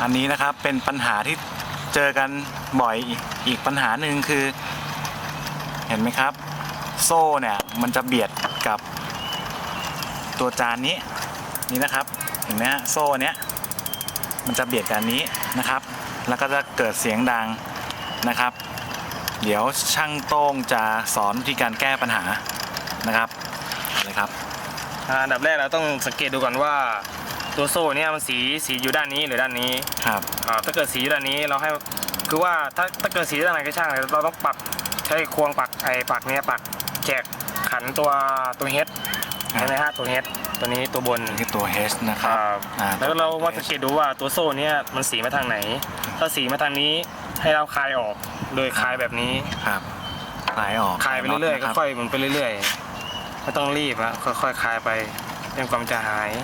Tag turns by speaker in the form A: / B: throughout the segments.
A: อันนี้นะครับเป็นปัญหาที่เจอกันบ่อยอีกปัญหาหนึ่งคือเห็นไหมครับโซ่เนี่ยมันจะเบียดกับตัวจานนี้นะครับเห็นไหมฮะโซ่เนี้ยมันจะเบียดกันนี้นะครับแล้วก็จะเกิดเสียงดังนะครับเดี๋ยวช่างโต้งจะสอนวิธีการแก้ปัญหานะครับเลยครับ
B: อันดับแรกเราต้องสังเกตดูก่อนว่าตัวโซ่เนี่ยมันสีอยู่ด้านนี้หรือด้านนี้
A: ครับ
B: ถ้าเกิดสีอยู่ด้านนี้เราให้คือว่าถ้าเกิดสีด้านไหนก็ช่างเราต้องปักใช้ควงปักปักเนี้ยปักแจกขันตัวเฮดใช่ไหมฮะตัวเฮดตัวนี้ตัวบน
A: คือตัว H นะครับ
B: แล้วเราว่าสังเกตดูว่าตัวโซ่เนี่ยมันสีมาทางไหนถ้าสีมาทางนี้ให้เราคลายออกโดยคลายแบบนี้
A: ครับคลายออก
B: คลายไปเรื่อยๆค่อยๆมันไปเรื่อยๆไม่ต้องรีบนะค่อยๆคลายไปจนกว่ามันจะหาย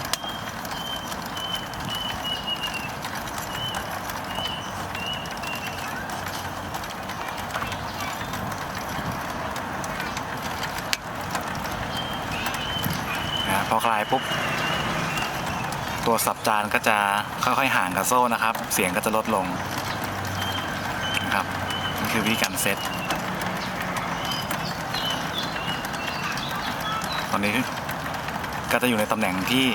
A: พอคลายปุ๊บตัวสับจานก็จะค่อยๆห่างกับโซ่นะครับเสียงก็จะลดลงนะครับนี่คือวิธีการเซตตอนนี้ก็จะอยู่ในตำแหน่ง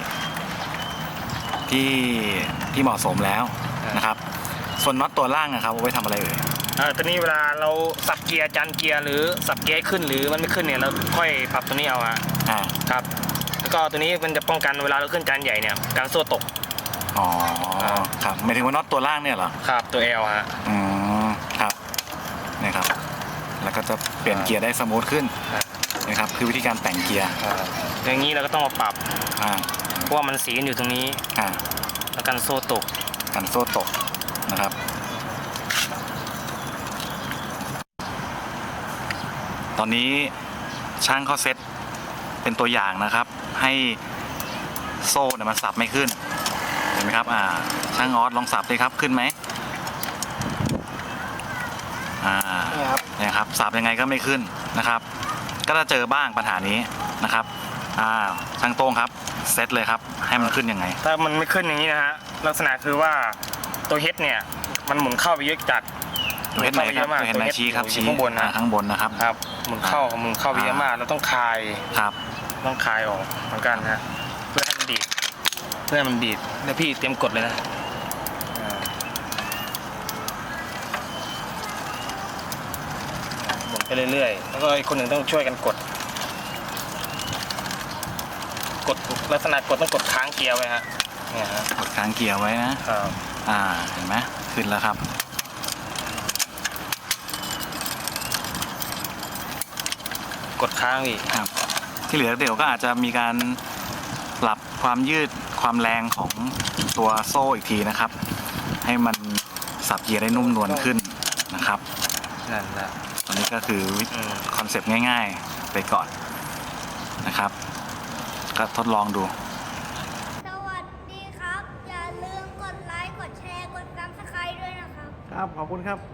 A: ที่เหมาะสมแล้วนะครับส่วนน็อตตัวล่างนะครับเอาไว้ทำอะไรเอ่ย
B: ตัวนี้เวลาเราสับเกียร์จานเกียร์หรือสับเกียร์ขึ้นหรือมันไม่ขึ้นเนี่ยเราค่อยปรับตัวนี้เอาครับแล้วก็ตัวนี้มันจะป้องกันเวลาเราขึ้นจานใหญ่เนี่ยการโซ่ตก
A: อ๋อครับหมายถึงว่าน็อตตัวล่างเนี่ยเหรอ
B: ครับตัว L ฮะ
A: ครับนี่ครับแล้วก็จะเปลี่ยนเกียร์ได้สมูทขึ้นนะครับคือวิธีการแต่งเกียร์
B: อย่างนี้เราก็ต้องมาปรับเพราะว่ามันสีอยู่ตรงนี้แล้วกันโซ่ตก
A: นะครับตอนนี้ช่างเขาเซตเป็นตัวอย่างนะครับให้โซ่เนี่ยมันสับไม่ขึ้นเห็นไหมครับช่างออสลองสับเลยครับขึ้นไหมเนี่ยครับสับยังไงก็ไม่ขึ้นนะครับก็จะเจอบ้างปัญหานี้นะครับช่างโต้งครับเซตเลยครับให้มันขึ้นยังไง
B: ถ้ามันไม่ขึ้นอย่างนี้นะฮะลักษณะคือว่าตัวเฮดเนี่ยมันหมุนเข้าไปเยอะจัด
A: ตัวเฮดไหนครับตัวเฮดไหนชี้ครับชี้ข้างบนนะครับ
B: หมุนเข้าไปเยอะมากเราต้องคลายต้องคลายออกเหมือนกันฮะเพื่อให้มันดีดแล้วพี่เตรียมกดเลยนะหมุนไปเรื่อยๆแล้วก็อีกคนหนึ่งต้องช่วยกันกดลักษณะกดต้องกดค้างเกียร์ไว้ฮะเนี่ยฮะ
A: กดค้างเกียร์ไว้นะครับเห็นไหมขึ้นแล้วครับ
B: กดค้างอีก
A: ครับที่เหลือเดี๋ยวก็อาจจะมีการปรับความยืดความแรงของตัวโซ่อีกทีนะครับให้มันสับเกียร์ได้นุ่มนวลขึ้นนะครับ
B: นั่นแหละ
A: ตอนนี้ก็คือคอนเซปต์ง่ายๆไปก่อนนะครับก็ทดลองดู
C: สวัสดีครับอย่าลืมกดไลค์กดแชร์กดซับสไครบ์ด้วยนะครับ
A: ครับขอบคุณครับ